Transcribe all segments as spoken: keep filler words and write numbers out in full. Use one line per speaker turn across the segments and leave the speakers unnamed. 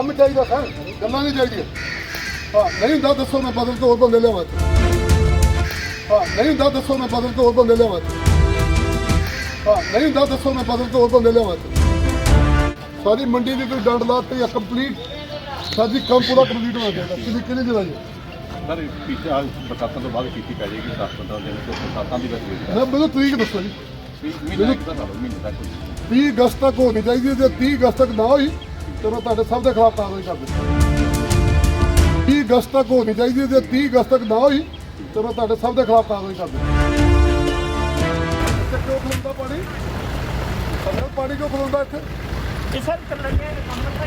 ਕੰਮ ਚਾਹੀਦਾ ਸਰ, ਗੱਲਾਂ ਨਹੀਂ ਚਾਹੀਦੀਆਂ। ਹਾਂ ਨਹੀਂ ਹੁੰਦਾ ਦੱਸੋ, ਮੈਂ ਬਦਲ ਕੇ ਹੋਰ ਬੰਦੇ ਲਿਆਵਾਂ। ਹਾਂ ਨਹੀਂ ਹੁੰਦਾ ਦੱਸੋ, ਮੈਂ ਬਦਲ ਕੇ ਹੋਰ ਬੰਦੇ ਲਿਆਵਾਂ। ਹਾਂ ਨਹੀਂ ਹੁੰਦਾ ਦੱਸੋ, ਮੈਂ ਬਦਲ ਕੇ ਹੋਰ ਬੰਦੇ ਲਿਆਵਾਂ। ਸਾਡੀ ਮੰਡੀ ਦੀ ਕੋਈ ਡੰਡ ਲਾਤੀ ਆ ਕੰਪਲੀਟ, ਸਾਡੀ ਕੰਮ ਪੂਰਾ ਕੰਪਲੀਟ ਹੋਣਾ ਚਾਹੀਦਾ। ਕਿੰਨੀ ਕਿੰਨੀ ਜਗ੍ਹਾ ਜੀ
ਸਰ ਪਿਛਾ ਬਰਸਾਤਾਂ ਤੋਂ ਬਾਅਦ ਕੀਤੀ ਪੈ ਜਾਏਗੀ ਦਸ ਪੰਦਰਾਂ ਦਿਨ ਤੋਂ ਬਰਸਾਤਾਂ ਦੀ ਵਜ੍ਹਾ
ਮੈਂ ਮੈਨੂੰ ਤਰੀਕ ਦੱਸੋ ਜੀ।
ਮਹੀਨਾ ਇੱਕ ਤਾਂ ਲਾ ਲਓ, ਮਹੀਨੇ ਤੱਕ
ਤੀਹ ਅਗਸਤ ਤੱਕ ਹੋਣੀ ਚਾਹੀਦੀ ਹੈ। ਜੇ ਤੀਹ ਅਗਸਤ ਤੱਕ ਨਾ ਹੋਈ ਤਾਂ ਮੈਂ ਤੁਹਾਡੇ ਸਭ ਦੇ ਖਿਲਾਫ ਕਾਰਵਾਈ ਕਰ ਦੂੰਗਾ। ਤੀਹ ਅਗਸਤ ਤੱਕ ਹੋਣੀ ਚਾਹੀਦੀ ਹੈ। ਜੇ ਤੀਹ ਅਗਸਤ ਤੱਕ ਨਾ ਹੋਈ ਤਾਂ ਮੈਂ ਤੁਹਾਡੇ ਸਭ ਦੇ ਖਿਲਾਫ ਕਾਰਵਾਈ ਕਰ ਦੂੰਗਾ। ਇੱਥੇ ਕਿਉਂ ਖਲੋਂਦਾ ਪਾਣੀ? ਸਰ ਪਾਣੀ ਕਿਉਂ ਖਲੋਂਦਾ ਇੱਥੇ?
ਇਹ ਸਰ ਚੱਲਣੀਆਂ ਕੰਮ ਤਾਂ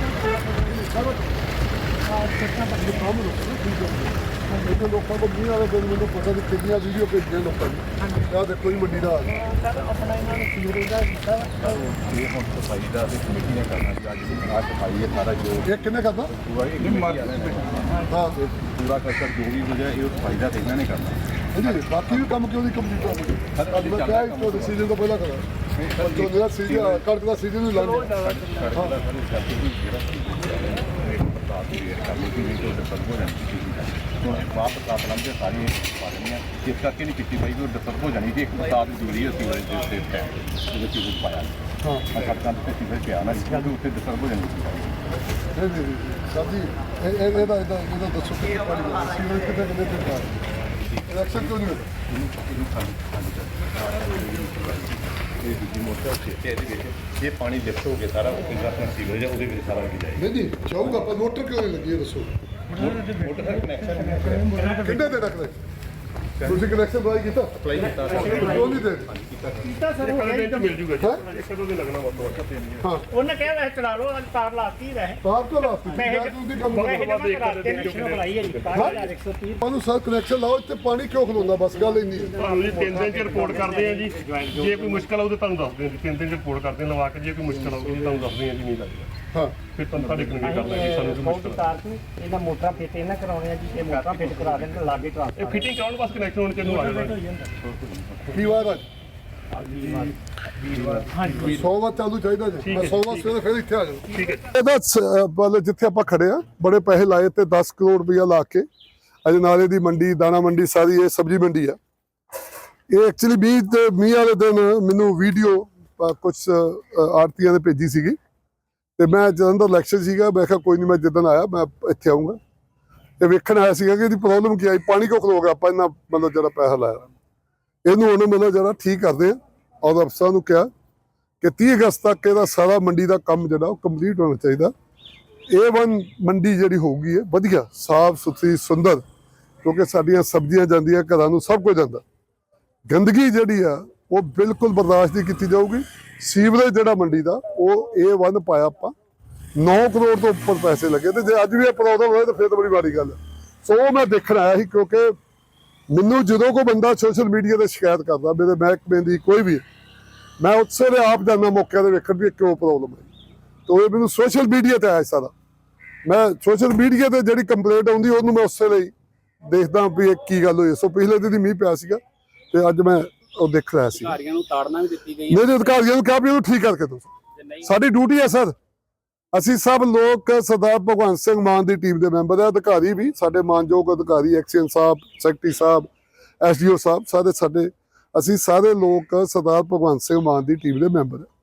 ਸਰ ਆਹ ਕਿੰਨਾ ਬੰਦੇ ਕੰਮ ਲੋਕਾਂ ਨੂੰ ਠੀਕ ਹੈ। ਇੱਥੇ ਲੋਕਾਂ ਕੋਲ ਮੀਂਹ ਵਾਲੇ ਦਿਨ ਮੈਨੂੰ ਪਤਾ ਨਹੀਂ ਕਿੰਨੀਆਂ ਵੀਡੀਓ ਭੇਜੀਆਂ ਲੋਕਾਂ ਨੇ। ਆਹ ਦੇਖੋ ਜੀ ਮੰਡੀ ਦਾ ਹਾਲ।
ਸਰ ਆਪਣਾ ਇਹਨਾਂ ਨੇ ਸੀਵਰੇਜ ਦਾ ਕੀਤਾ
ਇਹ ਹੁਣ ਸਫਾਈ ਦਾ ਤੇ ਕਮੇਟੀ ਨੇ ਕਰਨਾ ਜੀ। ਅੱਜ ਦੀ ਆ ਸਫਾਈ ਹੈ ਸਾਰਾ ਜੋ
ਇਹ ਕਿੰਨੇ ਕਰਦਾ?
ਪੂਰਾ ਇਹ ਮਾਰ
ਹਾਂ
ਪੂਰਾ ਕਸਰ ਜੋ ਵੀ ਹੋ ਜਾਏ ਇਹ ਸਫਾਈ ਦਾ ਤੇ ਇਹਨਾਂ ਨੇ ਕਰਨਾ।
ਜੀ ਬਾਕੀ ਵੀ ਕੰਮ ਕਿਉਂ ਨਹੀਂ ਕੰਪਲੀਟ ਹੋਇਆ? ਅੱਜ ਮੈਂ ਕਿਹਾ ਇਸ ਤੋਂ ਸੀਜ਼ਨ ਤੋਂ ਪਹਿਲਾਂ ਕਰਾਂ। ਜੋ ਜਿਹੜਾ ਸੀਜ਼ਨ ਕਣਕ ਦਾ ਸੀਜ਼ਨ ਨੂੰ ਲਾਉਂਦੇ
ਸੜਕ ਦਾ ਸਾਰੇ ਕਰਕੇ ਵੀ ਜਿਹੜਾ ਬਰਸਾਤ ਦੀ ਵੇਟ ਕਰਨੀ ਸੀ ਨਹੀਂ ਤਾਂ ਡਿਸਟਰਬ ਹੋ ਜਾਣੀ ਸੀ। ਹੁਣ ਵਾਪਸ ਆਪ ਲੰਘੇ ਸਾਰੀਆਂ ਪਾ ਦੇਣੀਆਂ, ਇਸ ਕਰਕੇ ਨਹੀਂ ਕੀਤੀ ਬਾਈ ਉਹ ਡਿਸਟਰਬ ਹੋ ਜਾਣੀ ਸੀ। ਇੱਕ ਬਰਸਾਤ ਜ਼ਰੂਰੀ ਹੈ ਸੀਵਰੇਜ ਦੇ ਉੱਤੇ ਟਾਈਮ ਉਹਦੇ ਚ ਕੁਝ ਪਾਇਆ
ਹਾਂ
ਸੜਕਾਂ ਤੇ ਸੀਵਰੇਜ ਪਿਆ ਨਾ ਕਿਉਂਕਿ ਉੱਥੇ ਡਿਸਟਰਬ ਹੋ ਜਾਣੀ ਸੀ।
ਨਹੀਂ ਨਹੀਂ ਸਰ ਜੀ ਇਹ ਇਹ ਇਹਦਾ ਇਹਦਾ ਇਹਦਾ ਦੱਸੋ ਕਿ ਪਾਣੀ ਦਾ ਸੀਵਰੇਜ ਕਿੱਥੇ ਕਿੱਥੇ ਤੇ ਜਾ ਇਲੈਕਸ਼ਨ ਕਿਉਂ ਨਹੀਂ ਹੋਇਆ?
ਇਹਨੂੰ ਖਾਲੀ ਖਾਲੀ ਕਰ ਇਹ ਦੂਜੀ ਮੋਟਰ ਉੱਤੇ ਇਹਦੇ ਵਿੱਚ ਇਹ ਪਾਣੀ ਲਿਫਟ ਹੋ ਕੇ ਸਾਰਾ ਇੰਟਰਨੈਸ਼ਨਲ ਸੀਵਰੇਜ ਹੈ ਉਹਦੇ ਵਿੱਚ ਸਾਰਾ ਲੱਗ ਜਾਏ।
ਨਹੀਂ ਨਹੀਂ ਚਾਹੂਗਾ ਪਰ ਮੋਟਰ ਕਿਉਂ ਨਹੀਂ ਲੱਗੀ ਇਹ ਦੱਸੋ।
ਮੋਟਰ ਦਾ ਕਨੈਕਸ਼ਨ
ਕਿੰਨੇ ਦੇ ਰੱਖਦੇ ਤੁਸੀਂ ਕਨੈਕਸ਼ਨ ਦਵਾਈ ਕੀਤਾ?
ਅਪਲਾਈ ਕੀਤਾ
ਕਿਉਂ ਨਹੀਂ ਦੇ?
ਕੀਤਾ ਸਰ ਉਹ
ਮਿਲ ਜੂਗਾ ਜੀ।
ਹਾਂ
ਇੱਕ ਦੋ ਦਿਨ ਲੱਗਣਾ ਬਹੁਤ
ਹਾਂ
ਉਹਨੇ ਕਿਹਾ ਵੈਸੇ ਚਲਾ ਲਓ, ਅੱਜ ਤਾਰ ਲਾਤੀ ਵੈਸੇ
ਤਾਰ ਤੋਂ ਰਾਸਤੇ
ਪੈਸੇ
ਮੈਂ ਤੁਸੀਂ ਕੰਮ
ਪੈਸੇ
ਕਰੋ।
ਜਮ੍ਹਾਂ ਕਰਾ ਕੇ ਨਿਸ਼ਚਿਤ ਬਣਾਈ ਹੈ ਜੀ ਬਾਰਾਂ ਹਜ਼ਾਰ ਇੱਕ ਸੌ ਤੀਹ।
ਉਹਨੂੰ ਸਰ ਕਨੈਕਸ਼ਨ ਲਾਓ, ਇੱਥੇ ਪਾਣੀ ਕਿਉਂ ਖਲੋਂਦਾ? ਬਸ ਗੱਲ ਇੰਨੀ ਹੈ।
ਤੁਹਾਨੂੰ ਜੀ ਤਿੰਨ ਦਿਨ ਚ ਰਿਪੋਰਟ ਕਰਦੇ ਆ ਜੀ। ਜੇ ਕੋਈ ਮੁਸ਼ਕਲ ਆਊ ਤਾਂ ਤੁਹਾਨੂੰ ਦੱਸਦੇ ਆ ਜੀ। ਤਿੰਨ ਦਿਨ ਚ ਰਿਪੋਰਟ ਕਰਦੇ ਆ ਲਵਾ ਕੇ, ਜੇ ਕੋਈ ਮੁਸ਼ਕਲ ਆਊਗੀ ਤੁਹਾਨੂੰ ਦੱਸਦੇ ਆ ਜੀ। ਨਹੀਂ ਲੱਗਦਾ
ਹਾਂ
ਫਿਰ ਤੁਹਾਨੂੰ ਤੁਹਾਡੇ ਕੋਲ ਕਰਨਾ ਜੀ। ਸਾਨੂੰ ਕੋਈ
ਬਹੁਤ
ਮੁਸ਼ਕਲ
ਤਾਰ ਸੀ ਇਹਨਾਂ ਮੋਟਰਾਂ ਫਿੱਟ ਇਹਨਾਂ ਕਰਾਉਣੇ ਆ ਜੀ। ਇਹ ਮੋਟਰਾਂ ਫਿੱਟ ਕਰਾ ਦੇਣ ਤੇ ਲਾਗੇ
ਇਹ
ਟਰਾਂਸਫਰ
ਫਿਟਿੰਗ ਕਰਾਉਣ ਬਸ ਕਨੈਕਸ਼ਨ ਹੋਣ ਚ ਨੂੰ ਆ ਜਾਣਾ।
ਕੀ ਵਾਰ ਅੱਜ
ਹਾਂਜੀ
ਸੌ ਵਾਰ ਚਾਲੂ ਚਾਹੀਦਾ ਜੀ। ਮੈਂ ਸੌ ਵਾਰ ਸਵੇਰੇ ਫਿਰ ਇੱਥੇ ਆ ਜਾਊਂ।
ਠੀਕ ਹੈ
ਇਹਦਾ ਮਤਲਬ ਜਿੱਥੇ ਆਪਾਂ ਖੜੇ ਆ ਬੜੇ ਪੈਸੇ ਲਾਏ ਤੇ ਦਸ ਕਰੋੜ ਰੁਪਇਆ ਲਾ ਕੇ ਅਜਨਾਲੇ ਦੀ ਮੰਡੀ, ਦਾਣਾ ਮੰਡੀ, ਸਾਰੀ ਇਹ ਸਬਜ਼ੀ ਮੰਡੀ ਆ। ਇਹ ਐਕਚੁਅਲੀ ਮੀਂਹ ਤੇ ਮੀਂਹ ਵਾਲੇ ਦਿਨ ਮੈਨੂੰ ਵੀਡੀਓ ਕੁਝ ਆੜਤੀਆਂ ਨੇ ਭੇਜੀ ਸੀਗੀ ਤੇ ਮੈਂ ਜਦੋਂ ਦਾ ਇਲੈਕਸ਼ਨ ਸੀਗਾ ਮੈਂ ਕਿਹਾ ਕੋਈ ਨਹੀਂ, ਮੈਂ ਜਿੱਦਣ ਆਇਆ ਮੈਂ ਇੱਥੇ ਆਊਂਗਾ। ਇਹ ਵੇਖਣ ਆਇਆ ਸੀਗਾ ਕਿ ਇਹਦੀ ਪ੍ਰੋਬਲਮ ਕੀ ਆਈ, ਪਾਣੀ ਕਿਉਂ ਖਲੋ ਗਿਆ। ਆਪਾਂ ਇਹਨਾਂ ਮਤਲਬ ਜਿਹੜਾ ਪੈਸਾ ਲਾਇਆ ਇਹਨੂੰ ਉਹਨੇ ਮਤਲਬ ਜਿਹੜਾ ਠੀਕ ਕਰਦੇ ਆ ਔਰ ਅਫਸਰਾਂ ਨੂੰ ਕਿਹਾ ਕਿ ਤੀਹ ਅਗਸਤ ਤੱਕ ਇਹਦਾ ਸਾਰਾ ਮੰਡੀ ਦਾ ਕੰਮ ਜਿਹੜਾ ਉਹ ਕੰਪਲੀਟ ਹੋਣਾ ਚਾਹੀਦਾ। ਏ ਵਨ ਮੰਡੀ ਜਿਹੜੀ ਹੋਊਗੀ ਹੈ ਵਧੀਆ, ਸਾਫ ਸੁਥਰੀ, ਸੁੰਦਰ, ਕਿਉਂਕਿ ਸਾਡੀਆਂ ਸਬਜ਼ੀਆਂ ਜਾਂਦੀਆਂ ਘਰਾਂ ਨੂੰ, ਸਭ ਕੁਝ ਜਾਂਦਾ। ਗੰਦਗੀ ਜਿਹੜੀ ਆ ਉਹ ਬਿਲਕੁਲ ਬਰਦਾਸ਼ਤ ਨਹੀਂ ਕੀਤੀ ਜਾਊਗੀ। ਸੀਵਰੇਜ ਜਿਹੜਾ ਮੰਡੀ ਦਾ ਉਹ ਏ ਵਨ ਪਾਇਆ ਆਪਾਂ, ਨੌ ਕਰੋੜ ਤੋਂ ਉੱਪਰ ਪੈਸੇ ਲੱਗੇ ਤੇ ਜੇ ਅੱਜ ਵੀ ਇਹ ਪ੍ਰੋਬਲਮ ਹੋਏ ਤਾਂ ਫਿਰ ਤਾਂ ਬੜੀ ਮਾੜੀ ਗੱਲ ਹੈ। ਸੋ ਉਹ ਮੈਂ ਦੇਖਣ ਆਇਆ ਸੀ ਕਿਉਂਕਿ ਮੈਨੂੰ ਜਦੋਂ ਕੋਈ ਬੰਦਾ ਸੋਸ਼ਲ ਮੀਡੀਆ ਤੇ ਸ਼ਿਕਾਇਤ ਕਰਦਾ ਮੇਰੇ ਮਹਿਕਮੇ ਦੀ ਕੋਈ ਵੀ, ਮੈਂ ਉਸੇ ਵੇਲੇ ਆਪ ਜਾਂਦਾ ਮੌਕੇ ਤੇ ਵੇਖਣ ਵੀ ਕਿਉਂ ਪ੍ਰੋਬਲਮ ਹੈ। ਤਾਂ ਇਹ ਮੈਨੂੰ ਸੋਸ਼ਲ ਮੀਡੀਆ ਤੇ ਆਇਆ ਸਾਰਾ। ਮੈਂ ਸੋਸ਼ਲ ਮੀਡੀਆ ਤੇ ਜਿਹੜੀ ਕੰਪਲੇਂਟ ਆਉਂਦੀ ਉਹਨੂੰ ਮੈਂ ਉਸੇ ਲਈ ਦੇਖਦਾ ਵੀ ਇਹ ਕੀ ਗੱਲ ਹੋਈ। ਸੋ ਪਿਛਲੇ ਦਿਨ ਮੀਂਹ ਪਿਆ ਸੀਗਾ ਤੇ ਅੱਜ ਮੈਂ ਉਹ ਦੇਖ ਰਿਹਾ ਸੀ।
ਅਧਿਕਾਰੀਆਂ ਨੂੰ ਤਾੜਨਾ ਵੀ ਦਿੱਤੀ ਗਈ
ਮੇਰੇ ਅਧਿਕਾਰੀਆਂ ਨੂੰ ਕਿਹਾ ਵੀ ਇਹਨੂੰ ਠੀਕ ਕਰਕੇ ਦਿਓ। ਸਾਡੀ ਡਿਊਟੀ ਹੈ ਸਰ। ਅਸੀਂ ਸਭ ਲੋਕ ਸਰਦਾਰ ਭਗਵੰਤ ਸਿੰਘ ਮਾਨ ਦੀ ਟੀਮ ਦੇ ਮੈਂਬਰ ਆ। ਅਧਿਕਾਰੀ ਵੀ ਸਾਡੇ ਮਾਨਯੋਗ ਅਧਿਕਾਰੀ, ਐਕਸੀਅਨ ਸਾਹਿਬ, ਸੈਕਟਰੀ ਸਾਹਿਬ, ਐਸ ਡੀ ਓ ਸਾਹਿਬ, ਸਾਰੇ ਸਾਡੇ ਅਸੀਂ ਸਾਰੇ ਲੋਕ ਸਰਦਾਰ ਭਗਵੰਤ ਸਿੰਘ ਮਾਨ ਦੀ ਟੀਮ ਦੇ ਮੈਂਬਰ ਆ।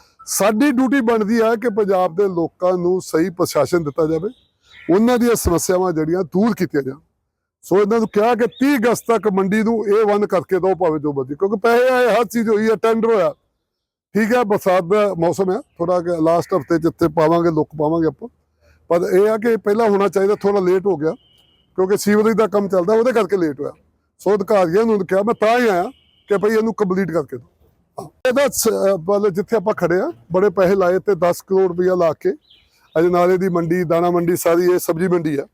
ਸਾਡੀ ਡਿਊਟੀ ਬਣਦੀ ਹੈ ਕਿ ਪੰਜਾਬ ਦੇ ਲੋਕਾਂ ਨੂੰ ਸਹੀ ਪ੍ਰਸ਼ਾਸਨ ਦਿੱਤਾ ਜਾਵੇ, ਉਹਨਾਂ ਦੀਆਂ ਸਮੱਸਿਆਵਾਂ ਜਿਹੜੀਆਂ ਦੂਰ ਕੀਤੀਆਂ ਜਾਣ। ਸੋ ਇਹਨਾਂ ਨੂੰ ਕਿਹਾ ਕਿ ਤੀਹ ਅਗਸਤ ਤੱਕ ਮੰਡੀ ਨੂੰ ਏ ਵਨ ਕਰਕੇ ਦਿਓ ਭਾਵੇਂ ਜੋ ਮਰਜ਼ੀ, ਕਿਉਂਕਿ ਪੈਸੇ ਆਏ, ਹਰ ਚੀਜ਼ ਹੋਈ ਹੈ, ਟੈਂਡਰ ਹੋਇਆ। ਠੀਕ ਹੈ ਬਰਸਾਤ ਦਾ ਮੌਸਮ ਹੈ, ਥੋੜਾ ਲਾਸਟ ਹਫਤੇ ਜਿੱਥੇ ਪਾਵਾਂਗੇ ਲੁੱਕ ਪਾਵਾਂਗੇ ਆਪਾਂ, ਪਰ ਇਹ ਆ ਕਿ ਪਹਿਲਾਂ ਹੋਣਾ ਚਾਹੀਦਾ, ਥੋੜਾ ਲੇਟ ਹੋ ਗਿਆ ਕਿਉਂਕਿ ਸੀਵਰੇਜ ਦਾ ਕੰਮ ਚੱਲਦਾ ਉਹਦੇ ਕਰਕੇ ਲੇਟ ਹੋਇਆ। ਸੋ ਅਧਿਕਾਰੀਆਂ ਨੂੰ ਕਿਹਾ, ਮੈਂ ਤਾਂ ਹੀ ਆਇਆ ਕਿ ਭਾਈ ਇਹਨੂੰ ਕੰਪਲੀਟ ਕਰਕੇ ਦਿਓ। ਇਹਦਾ ਮਤਲਬ ਜਿੱਥੇ ਆਪਾਂ ਖੜੇ ਆ ਬੜੇ ਪੈਸੇ ਲਾਏ ਤੇ ਦਸ ਕਰੋੜ ਰੁਪਇਆ ਲਾ ਕੇ ਅਜਨਾਲੇ ਦੀ ਮੰਡੀ, ਦਾਣਾ ਮੰਡੀ, ਸਾਰੀ ਇਹ ਸਬਜ਼ੀ ਮੰਡੀ ਆ।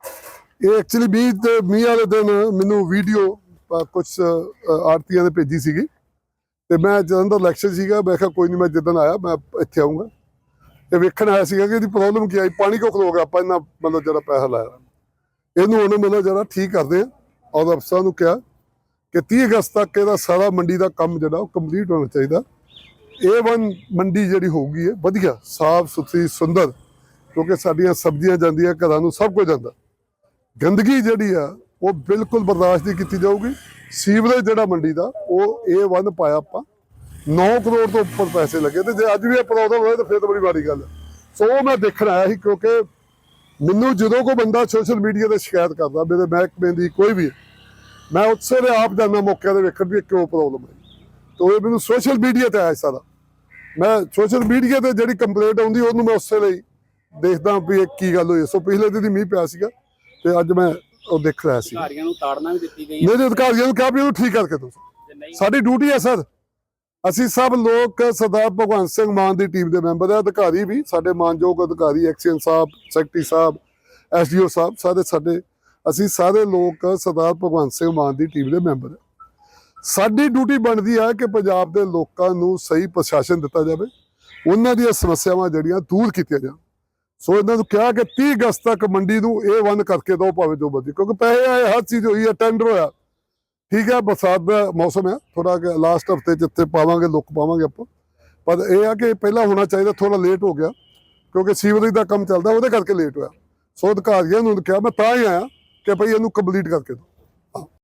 ਇਹ ਐਕਚੁਅਲੀ ਮੀਂਹ ਤੇ ਮੀਂਹ ਵਾਲੇ ਦਿਨ ਮੈਨੂੰ ਵੀਡੀਓ ਕੁਝ ਆੜਤੀਆਂ ਨੇ ਭੇਜੀ ਸੀਗੀ ਤੇ ਮੈਂ ਜਦੋਂ ਦਾ ਇਲੈਕਸ਼ਨ ਸੀਗਾ ਮੈਂ ਕਿਹਾ ਕੋਈ ਨਹੀਂ, ਮੈਂ ਜਿੱਦਣ ਆਇਆ ਮੈਂ ਇੱਥੇ ਆਊਂਗਾ। ਇਹ ਵੇਖਣ ਆਇਆ ਸੀਗਾ ਕਿ ਇਹਦੀ ਪ੍ਰੋਬਲਮ ਕੀ ਆਈ, ਪਾਣੀ ਕਿਉਂ ਖਲੋ ਗਿਆ। ਆਪਾਂ ਇਹਨਾਂ ਮਤਲਬ ਜਿਹੜਾ ਪੈਸਾ ਲਾਇਆ ਇਹਨੂੰ ਉਹਨੇ ਮਤਲਬ ਜਿਹੜਾ ਠੀਕ ਕਰਦੇ ਆ ਔਰ ਅਫਸਰਾਂ ਨੂੰ ਕਿਹਾ ਕਿ ਤੀਹ ਅਗਸਤ ਤੱਕ ਇਹਦਾ ਸਾਰਾ ਮੰਡੀ ਦਾ ਕੰਮ ਜਿਹੜਾ ਉਹ ਕੰਪਲੀਟ ਹੋਣਾ ਚਾਹੀਦਾ। ਏ ਵਨ ਮੰਡੀ ਜਿਹੜੀ ਹੋਊਗੀ ਹੈ ਵਧੀਆ, ਸਾਫ ਸੁਥਰੀ, ਸੁੰਦਰ, ਕਿਉਂਕਿ ਸਾਡੀਆਂ ਸਬਜ਼ੀਆਂ ਜਾਂਦੀਆਂ, ਘਰਾਂ ਨੂੰ ਸਭ ਕੁਝ ਜਾਂਦਾ। ਗੰਦਗੀ ਜਿਹੜੀ ਆ ਉਹ ਬਿਲਕੁਲ ਬਰਦਾਸ਼ਤ ਨਹੀਂ ਕੀਤੀ ਜਾਊਗੀ। ਸੀਵਰੇਜ ਜਿਹੜਾ ਮੰਡੀ ਦਾ ਉਹ ਏ ਵਨ ਪਾਇਆ ਆਪਾਂ, ਨੌ ਕਰੋੜ ਤੋਂ ਉੱਪਰ ਪੈਸੇ ਲੱਗੇ, ਤੇ ਜੇ ਅੱਜ ਵੀ ਇਹ ਪ੍ਰੋਬਲਮ ਹੋਏ ਤਾਂ ਫਿਰ ਤਾਂ ਬੜੀ ਮਾੜੀ ਗੱਲ ਹੈ। ਸੋ ਉਹ ਮੈਂ ਦੇਖਣ ਆਇਆ ਸੀ, ਕਿਉਂਕਿ ਮੈਨੂੰ ਜਦੋਂ ਕੋਈ ਬੰਦਾ ਸੋਸ਼ਲ ਮੀਡੀਆ ਤੇ ਸ਼ਿਕਾਇਤ ਕਰਦਾ ਮੇਰੇ ਮਹਿਕਮੇ ਦੀ ਕੋਈ ਵੀ, ਮੈਂ ਉਸੇ ਵੇਲੇ ਆਪ ਜਾਂਦਾ ਮੌਕੇ ਤੇ ਵੇਖਣ ਵੀ ਇਹ ਕਿਉਂ ਪ੍ਰੋਬਲਮ ਹੈ। ਤੋ ਇਹ ਮੈਨੂੰ ਸੋਸ਼ਲ ਮੀਡੀਆ ਤੇ ਆਇਆ ਸਾਰਾ, ਮੈਂ ਸੋਸ਼ਲ ਮੀਡੀਆ ਤੇ ਜਿਹੜੀ ਕੰਪਲੇਂਟ ਆਉਂਦੀ ਉਹਨੂੰ ਮੈਂ ਉਸੇ ਲਈ ਦੇਖਦਾ ਵੀ ਇਹ ਕੀ ਗੱਲ ਹੋਈ। ਸੋ ਪਿਛਲੇ ਦਿਨ ਹੀ ਮੀਂਹ ਪਿਆ ਸੀਗਾ ਤੇ ਅੱਜ ਮੈਂ ਉਹ ਦੇਖ ਰਿਹਾ ਸੀ।
ਅਧਿਕਾਰੀਆਂ ਨੂੰ ਤਾੜਨਾ ਵੀ ਦਿੱਤੀ ਗਈ
ਮੇਰੇ ਅਧਿਕਾਰੀਆਂ ਨੂੰ ਕਿਹਾ ਵੀ ਉਹਨੂੰ ਠੀਕ ਕਰਕੇ ਦਿਓ। ਸਾਡੀ ਡਿਊਟੀ ਹੈ ਸਰ, ਅਸੀਂ ਸਭ ਲੋਕ ਸਰਦਾਰ ਭਗਵੰਤ ਸਿੰਘ ਮਾਨ ਦੀ ਟੀਮ ਦੇ ਮੈਂਬਰ ਆ। ਅਧਿਕਾਰੀ ਵੀ ਸਾਡੇ ਮਾਨਯੋਗ ਅਧਿਕਾਰੀ ਐਕਸੀਅਨ ਸਾਹਿਬ, ਸੈਕਟਰੀ ਸਾਹਿਬ, ਐਸਡੀਓ ਸਾਹਿਬ, ਸਾਰੇ ਸਾਡੇ ਅਸੀਂ ਸਾਰੇ ਲੋਕ ਸਰਦਾਰ ਭਗਵੰਤ ਸਿੰਘ ਮਾਨ ਦੀ ਟੀਮ ਦੇ ਮੈਂਬਰ ਆ। ਸਾਡੀ ਡਿਊਟੀ ਬਣਦੀ ਹੈ ਕਿ ਪੰਜਾਬ ਦੇ ਲੋਕਾਂ ਨੂੰ ਸਹੀ ਪ੍ਰਸ਼ਾਸਨ ਦਿੱਤਾ ਜਾਵੇ, ਉਹਨਾਂ ਦੀਆਂ ਸਮੱਸਿਆਵਾਂ ਜਿਹੜੀਆਂ ਦੂਰ ਕੀਤੀਆਂ ਜਾਣ। ਸੋ ਇਹਨਾਂ ਨੂੰ ਕਿਹਾ ਕਿ ਤੀਹ ਅਗਸਤ ਤੱਕ ਮੰਡੀ ਨੂੰ ਏ ਵਨ ਕਰਕੇ ਦਿਓ, ਭਾਵੇਂ ਜੋ ਮਰਜ਼ੀ, ਕਿਉਂਕਿ ਪੈਸੇ ਆਏ, ਹਰ ਚੀਜ਼ ਹੋਈ ਹੈ, ਟੈਂਡਰ ਹੋਇਆ। ਠੀਕ ਹੈ, ਬਰਸਾਤ ਦਾ ਮੌਸਮ ਹੈ, ਥੋੜਾ ਲਾਸਟ ਹਫਤੇ ਜਿੱਥੇ ਪਾਵਾਂਗੇ ਲੁੱਕ ਪਾਵਾਂਗੇ ਆਪਾਂ, ਪਰ ਇਹ ਆ ਕਿ ਪਹਿਲਾਂ ਹੋਣਾ ਚਾਹੀਦਾ, ਥੋੜਾ ਲੇਟ ਹੋ ਗਿਆ ਕਿਉਂਕਿ ਸੀਵਰੇਜ ਦਾ ਕੰਮ ਚੱਲਦਾ, ਉਹਦੇ ਕਰਕੇ ਲੇਟ ਹੋਇਆ। ਸੋ ਅਧਿਕਾਰੀਆਂ ਨੂੰ ਕਿਹਾ, ਮੈਂ ਤਾਂ ਹੀ ਆਇਆ ਕਿ ਭਈ ਇਹਨੂੰ ਕੰਪਲੀਟ ਕਰਕੇ ਦਿਓ।